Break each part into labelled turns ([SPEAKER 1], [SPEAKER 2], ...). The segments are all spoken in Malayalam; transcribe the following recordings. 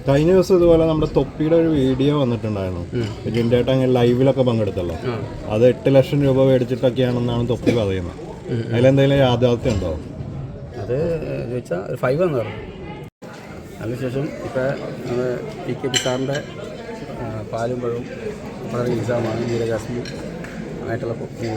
[SPEAKER 1] കഴിഞ്ഞ ദിവസം ഇതുപോലെ നമ്മുടെ തൊപ്പിയുടെ ഒരു വീഡിയോ വന്നിട്ടുണ്ടായിരുന്നു. ജിൻഡേട്ട അങ്ങനെ ലൈവിലൊക്കെ പങ്കെടുത്തല്ലോ. അത് 8 ലക്ഷം രൂപ മേടിച്ചിട്ടൊക്കെയാണെന്നാണ് തൊപ്പി പറയുന്നത്. അതിലെന്തെങ്കിലും യാഥാർത്ഥ്യം ഉണ്ടോ?
[SPEAKER 2] അത് ചോദിച്ചാൽ ഒരു 5 എന്ന് പറഞ്ഞു. അതിനുശേഷം ഇപ്പോൾ നമ്മൾ PK സാറിൻ്റെ പാലും പഴവും വളരെ എക്സാമാണ് നീരജാസ്മി ആയിട്ടുള്ള മൂവി.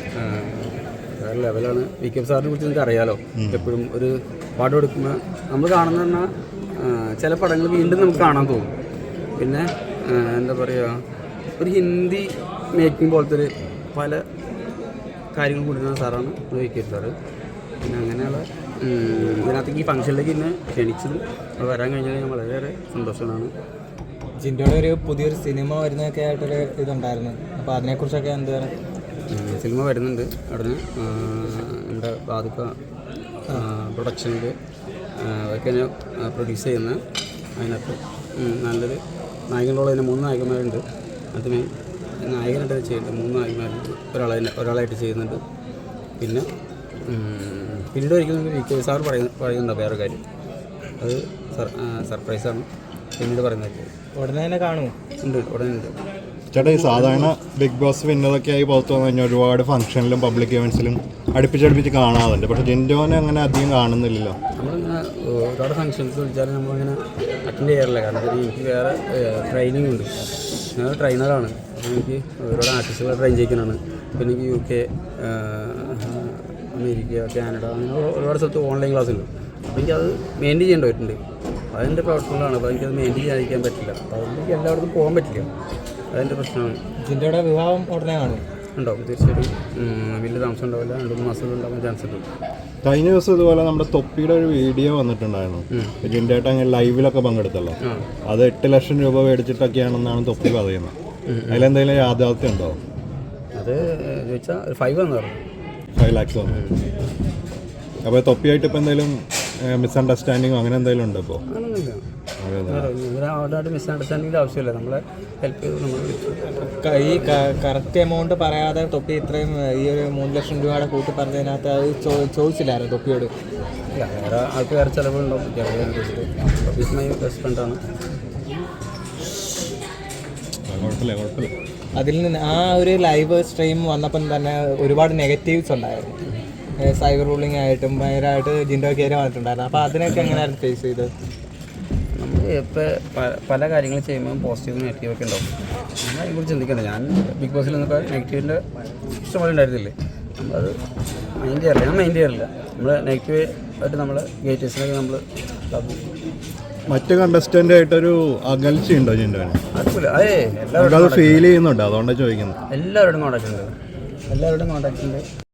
[SPEAKER 2] വേറെ ലെവലാണ്. PK സാറിനെ കുറിച്ച് നിങ്ങൾക്ക് അറിയാലോ. എപ്പോഴും ഒരു പാട്ട് കൊടുക്കുമ്പോൾ നമ്മൾ കാണുന്ന പറഞ്ഞാൽ ചില പടങ്ങൾ വീണ്ടും നമുക്ക് കാണാൻ തോന്നും. പിന്നെ എന്താ പറയുക, ഒരു ഹിന്ദി മേക്കിംഗ് പോലത്തെ ഒരു പല കാര്യങ്ങൾ കൊടുക്കുന്ന സാറാണ് PK സാറ്. പിന്നെ അങ്ങനെയുള്ള ഇതിനകത്തേക്ക് ഈ ഫംഗ്ഷനിലേക്ക് ഇന്ന് ക്ഷണിച്ചതും വരാൻ കഴിഞ്ഞാൽ ഞാൻ വളരെയേറെ സന്തോഷമാണ്.
[SPEAKER 3] ജിൻഡോയുടെ ഒരു പുതിയൊരു സിനിമ വരുന്നതൊക്കെ ആയിട്ടൊരു ഇതുണ്ടായിരുന്നു. അപ്പോൾ അതിനെക്കുറിച്ചൊക്കെ എന്താണ്?
[SPEAKER 2] സിനിമ വരുന്നുണ്ട്. അവിടെ നമ്മുടെ ബാധിക്ക പ്രൊഡക്ഷനിൽ അതൊക്കെ ഞാൻ പ്രൊഡ്യൂസ് ചെയ്യുന്ന. അതിനകത്ത് നല്ലൊരു നായകനുള്ള തന്നെ 3 നായകന്മാരുണ്ട്. അത് നായകനായിട്ട് ചെയ്യുന്നുണ്ട്. 3 നായകന്മാരുണ്ട്. ഒരാളായിട്ട് ചെയ്യുന്നുണ്ട്. പിന്നെ പിന്നീട് ഒരിക്കലും PK സാർ പറയുന്നുണ്ടോ വേറെ കാര്യം, അത് സർപ്രൈസാണ്. പിന്നീട് പറയുന്നത്
[SPEAKER 3] ഉടനെ തന്നെ കാണുമോ?
[SPEAKER 2] ഉണ്ട്, ഉടനെ ഉണ്ട്.
[SPEAKER 1] ചേട്ടാ, ഈ സാധാരണ ബിഗ് ബോസ് വിന്നതൊക്കെ ആയി പുറത്തു വന്നു കഴിഞ്ഞാൽ ഒരുപാട് ഫംഗ്ഷനിലും പബ്ലിക് ഇവൻസിലും അടുപ്പിച്ചടുപ്പിച്ച് കാണാറുണ്ട്. പക്ഷേ ജിൻഡോനെ അങ്ങനെ അധികം കാണുന്നില്ലല്ലോ.
[SPEAKER 2] നമ്മളിങ്ങനെ ഒരുപാട് ഫംഗ്ഷൻസ് വിളിച്ചാലും നമ്മളിങ്ങനെ അറ്റൻഡ് ചെയ്യാറില്ല. കാരണം എനിക്ക് വേറെ ട്രെയിനിങ് ഉണ്ട്. ഞാൻ ട്രെയിനറാണ്. അപ്പോൾ എനിക്ക് ഒരുപാട് ആർട്ടിസ്റ്റുകളെ ട്രെയിൻ ചെയ്യിക്കാനാണ്. പിന്നെ എനിക്ക് UK, അമേരിക്ക, കാനഡ അങ്ങനെ ഒരുപാട് സ്ഥലത്ത് ഓൺലൈൻ ക്ലാസ് ഉണ്ട്. അപ്പോൾ എനിക്കത് മെയിൻറ്റെയിൻ ചെയ്യേണ്ടി വരുന്നുണ്ട്. അതിൻ്റെ പ്രവർത്തനങ്ങളാണ്. അപ്പോൾ എനിക്കത് മെയിൻറ്റെയിൻ ചെയ്യാതിരിക്കാൻ പറ്റില്ല. അപ്പോൾ അതുകൊണ്ട് എനിക്ക് എല്ലായിടത്തും പോകാൻ പറ്റില്ല. അതിൻ്റെ പ്രശ്നമാണ്.
[SPEAKER 3] ജിൻഡോയുടെ വിവാഹം ഉടനെ കാണും?
[SPEAKER 2] ഉണ്ടാവും, തീർച്ചയായിട്ടും. വലിയ താമസം ഉണ്ടാവില്ല. 2-3 മാസം ഉണ്ടാകാൻ ചാൻസ് ഉണ്ട്.
[SPEAKER 1] കഴിഞ്ഞ ദിവസം ഇതുപോലെ നമ്മുടെ തൊപ്പിയുടെ ഒരു വീഡിയോ വന്നിട്ടുണ്ടായിരുന്നു. ജിൻഡേട്ട അങ്ങനെ ലൈവിലൊക്കെ പങ്കെടുത്തല്ലോ. അത് 8 ലക്ഷം രൂപ മേടിച്ചിട്ടൊക്കെയാണെന്നാണ് തൊപ്പി പറയുന്നത്. അതിലെന്തെങ്കിലും യാഥാർത്ഥ്യം ഉണ്ടോ?
[SPEAKER 2] അത് ചോദിച്ചാൽ ഒരു 5 എന്ന് പറഞ്ഞു.
[SPEAKER 1] 5 lakhs വന്നു. അപ്പോൾ തൊപ്പിയായിട്ട് ഇപ്പോൾ എന്തെങ്കിലും മിസ്അണ്ടർസ്റ്റാൻഡിങ്ങോ അങ്ങനെ എന്തെങ്കിലും ഉണ്ടോ ഇപ്പോൾ?
[SPEAKER 2] അങ്ങനെയൊന്നുമില്ല. അവരോട് മിസ്അണ്ടർസ്റ്റാൻഡിങ്ങിൻ്റെ ആവശ്യമില്ല. നമ്മളെ ഹെൽപ്പ് ചെയ്ത് നമ്മൾ
[SPEAKER 3] ഈ കറക്റ്റ് എമൗണ്ട് പറയാതെ തൊപ്പി ഇത്രയും ഈ ഒരു 3 ലക്ഷം രൂപയുടെ കൂട്ടി പറഞ്ഞതിനകത്ത് അത് ചോദിച്ചില്ലായിരുന്നു തൊപ്പിയോട്?
[SPEAKER 2] ഇല്ല, വേറെ ആൾക്ക് വേറെ ചിലവുണ്ടാവും. ഓഫീസ് മൈ ബെസ്റ്റ് ഫ്രണ്ടാണ്.
[SPEAKER 1] കുഴപ്പമില്ല.
[SPEAKER 3] അതിൽ നിന്ന് ആ ഒരു ലൈവ് സ്ട്രീം വന്നപ്പം തന്നെ ഒരുപാട് നെഗറ്റീവ്സ് ഉണ്ടായിരുന്നു. സൈബർ റൂളിംഗ് ആയിട്ടും ഭയങ്കരമായിട്ട് ജിൻഡോ കയറി വന്നിട്ടുണ്ടായിരുന്നു. അപ്പോൾ അതിനൊക്കെ എങ്ങനെയായിരുന്നു ഫേസ് ചെയ്തത്?
[SPEAKER 2] നമ്മൾ ഇപ്പോൾ പല കാര്യങ്ങൾ ചെയ്യുമ്പോൾ പോസിറ്റീവ് നെഗറ്റീവൊക്കെ ഉണ്ടാവും. നമ്മൾ അതിനെക്കുറിച്ച് ചിന്തിക്കണ്ട. ഞാൻ ബിഗ് ബോസിൽ നിന്നൊക്കെ നെഗറ്റീവിൻ്റെ ഇഷ്ടംപോലെ ഉണ്ടായിരുന്നില്ലേ. നമ്മളത് മൈൻഡ് ചെയ്യാറില്ല. ഞാൻ മൈൻഡ് ചെയ്യാറില്ല. നമ്മൾ നെഗറ്റീവ് ആയിട്ട് നമ്മൾ ഗേറ്റേഴ്സിനൊക്കെ നമ്മൾ
[SPEAKER 1] മറ്റ് കണ്ടസ്റ്റൻ്റ് ആയിട്ടൊരു അകൽച്ചയുണ്ടോ ജിൻഡോന്?
[SPEAKER 2] അതുപോലെ
[SPEAKER 1] അത് ഫീൽ ചെയ്യുന്നുണ്ട്, അതുകൊണ്ടാണ് ചോദിക്കുന്നത്.
[SPEAKER 2] എല്ലാവരോടും കോൺടാക്റ്റ് ഉണ്ട്.